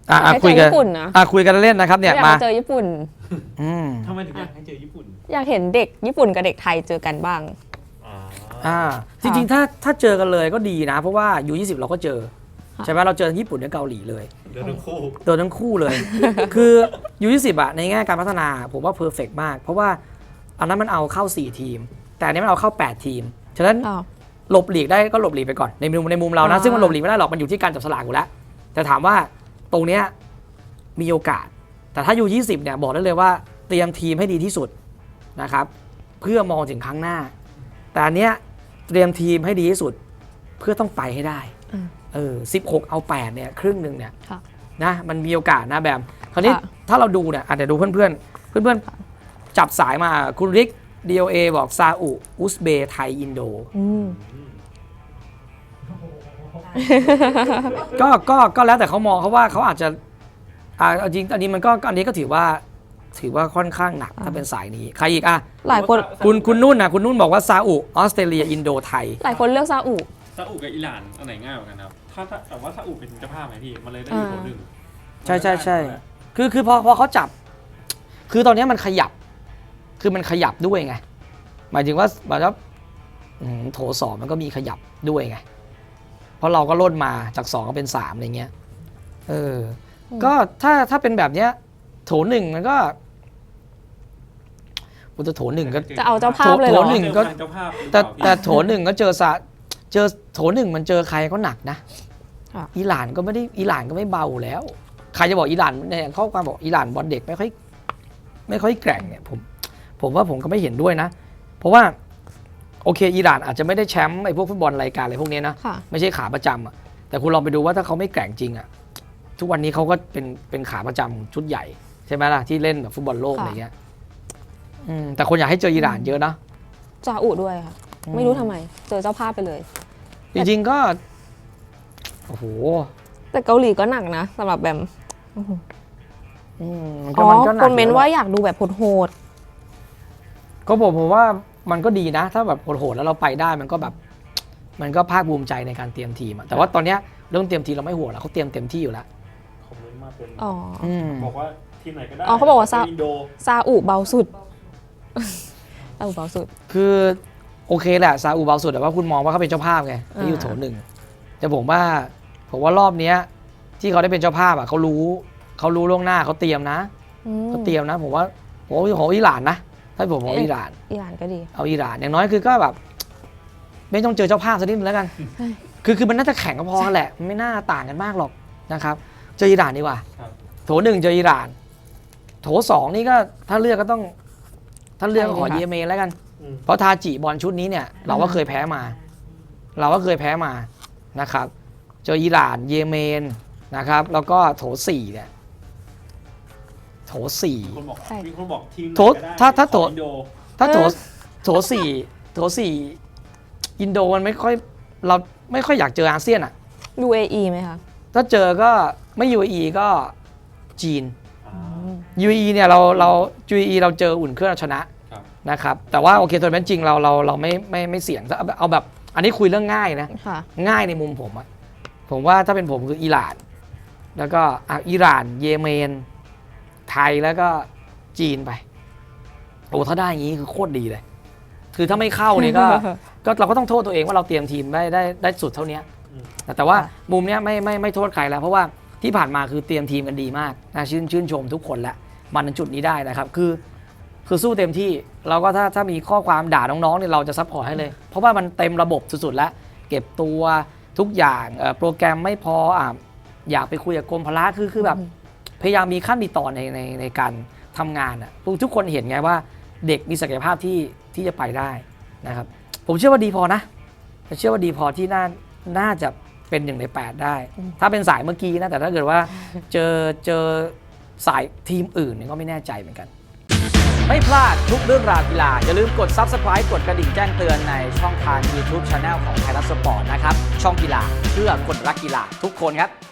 คุยกันญี่ปุ่นนะคุยกันเล่นนะครับเนี่ยมาเจอญี่ปุ่นทำไมถึงอยากให้เจอญี่ปุ่นอยากเห็นเด็กญี่ปุ่นกับเด็กไทยเจอกันบ้างจริงๆถ้าเจอกันเลยก็ดีนะเพราะว่าU20เราก็เจอใช่ไหมเราเจอญี่ปุ่นกับเกาหลีเลยเจอทั้งคู่เลย คือU20ในแง่การพัฒนาผมว่าเพอร์เฟกต์มากเพราะว่าอันนั้นมันเอาเข้า4ทีมแต่อันนี้มันเอาเข้า8ทีมฉะนั้นหลบหลีกได้ก็หลบหลีกไปก่อนในมุมเรานะซึ่งมันหลบหลีกไม่ได้หรอกมันอยู่ที่การจับสลากอยู่แล้วแต่ถามว่าตรงเนี้ยมีโอกาสแต่ถ้าU20เนี่ยบอกได้เลยว่าเตรียมทีมให้ดีที่สุดนะครับเพื่อมองถึงครั้งหน้าแต่อันเนี้ยเตรียมทีมให้ดีที่สุดเพื่อต้องไปให้ได้16เอา8เนี่ยครึ่งนึงเนี่ยนะมันมีโอกาสนะแบบคราวนี้ถ้าเราดูเนี่ยอาจจะดูเพื่อนจับสายมาคุณริก DOA บอกซาอุอุซเบย์ไทยอินโดก็แล้วแต่เขามองเขาว่าเขาอาจจะจริงอันนี้มันก็อันนี้ก็ถือว่าค่อนข้างหนักถ้าเป็นสายนี้ใครอีกหลายคนคุณนุ่นบอกว่าซาอุออสเตรเลียอินโดไทยหลายคนเลือกซาอุกับอิหร่านอันไหนง่ายกว่ากันครับถ้าแต่ว่าซาอุเป็นเจ้าภาพไหมพี่มันเลยได้อยู่คนหนึ่งใช่คือพอเขาจับคือตอนนี้มันขยับคือมันขยับด้วยไงหมายถึงว่าโถ2มันก็มีขยับด้วยไงเพราะเราก็ล่นมาจาก2ก็เป็น3อะไรเงี้ยก็ถ้าเป็นแบบเนี้ยโถ1มันก็โถ1ก็จะเอาเจ้าภาพเลยเหรอโถ1ก็แต่โถ1ก็เจอโถ1มันเจอใครก็หนักนะอิหร่านก็ไม่เบาแล้วใครจะบอกอิหร่านเนี่ยข้อความบอกอิหร่านบอลเด็กไม่ค่อยแกร่งเนี่ยผมว่าผมก็ไม่เห็นด้วยนะเพราะว่าโอเคอิหร่านอาจจะไม่ได้แชมป์ไอ้พวกฟุตบอลรายการอะไรพวกนี้นะไม่ใช่ขาประจำแต่คุณลองไปดูว่าถ้าเขาไม่แกร่งจริงทุกวันนี้เขาก็เป็นขาประจำชุดใหญ่ใช่ไหมล่ะที่เล่นแบบฟุตบอลโลกอะไรเงี้ยแต่คนอยากให้เจออิหร่านเยอะนะซาอุด้วยค่ะไม่รู้ทำไมเจอเจ้าภาพไปเลยจริงๆก็โอ้โหแต่เกาหลีก็หนักนะสำหรับแบมคอมเมนต์ว่าอยากดูแบบโหดก็ผมว่ามันก็ดีนะถ้าแบบโหดแล้วเราไปได้มันก็แบบมันก็ภาคภูมิใจในการเตรียมทีมแต่ว่าตอนเนี้ยเรื่องเตรียมทีมเราไม่ห่วงแล้วเขาเตรียมเต็มที่อยู่แล้วคอมเมนต์มาเป็นบอกว่าทีมไหนก็ได้เขาบอกว่าซาอุเบาสุดซาอุเบาสุดคือโอเคแหละซาอุเบาสุดแต่ว่าคุณมองว่าเขาเป็นเจ้าภาพไงที่อยู่โถ1แต่ผมว่ารอบนี้ที่เขาได้เป็นเจ้าภาพเขารู้ล่วงหน้าเขาเตรียมนะผมว่าของอิหร่านนะถ้าผมเอาอิหร่านก็ดีเอาอิหร่านอย่างน้อยคือก็แบบไม่ต้องเจอเจ้าภาพสักนิดนึงแล้วกันคือมันน่าจะแข่งก็พอแหละมันไม่น่าต่างกันมากหรอกนะครับเจออิหร่านดีกว่าโถ1เจออิหร่านโถ2นี่ก็ถ้าเลือกก็ต้องขอเยเมนแล้วกันเพราะทาจิบอลชุดนี้เนี่ยเราก็เคยแพ้มานะครับเจออิหร่านเยเมนนะครับแล้วก็โถ4เนี่ยโถ4 มีคนบอกทีมถ้าโถ4อินโดมันไม่ค่อยเราไม่ค่อยอยากเจออาเซียน UAE ไหมคะถ้าเจอก็ไม่ UAE ก็จีน UAE เนี่ยเรา UAE เราเจออุ่นเครื่องชนะนะครับแต่ว่าโอเคตัวเป็นจริงเราไม่เสี่ยงเอาแบบอันนี้คุยเรื่องง่ายนะง่ายในมุมผมว่าถ้าเป็นผมคืออิหร่านแล้วก็อิหร่านเยเมนไทยแล้วก็จีนไปถ้าได้อย่างนี้คือโคตรดีเลยคือถ้าไม่เข้าเนี่ยก็เราก็ต้องโทษตัวเองว่าเราเตรียมทีมได้สุดเท่านี้แต่ว่ามุมเนี้ยไม่โทษใครแล้วเพราะว่าที่ผ่านมาคือเตรียมทีมกันดีมากน่าชื่นชมทุกคนแหละมาถึงจุดนี้ได้นะครับคือสู้เต็มที่เราก็ถ้ามีข้อความด่าน้องๆเนี่ยเราจะซัพพอร์ตให้เลยเพราะว่ามันเต็มระบบสุดๆแล้วเก็บตัวทุกอย่างโปรแกรมไม่พออยากไปคุยกับกรมพละคือแบบพยายามมีขั้นมีตอนในการทำงานทุกคนเห็นไงว่าเด็กมีศักยภาพที่จะไปได้นะครับผมเชื่อว่าดีพอนะเชื่อว่าดีพอที่น่าจะเป็น1 ใน 8ได้ถ้าเป็นสายเมื่อกี้นะแต่ถ้าเกิดว่าเจอสายทีมอื่นเนี่ยก็ไม่แน่ใจเหมือนกันไม่พลาดทุกเรื่องราวกีฬาอย่าลืมกด Subscribe กดกระดิ่งแจ้งเตือนในช่องทาง YouTube Channel ของไทยรัฐสปอร์ตนะครับช่องกีฬาเพื่อคนรักกีฬาทุกคนครับ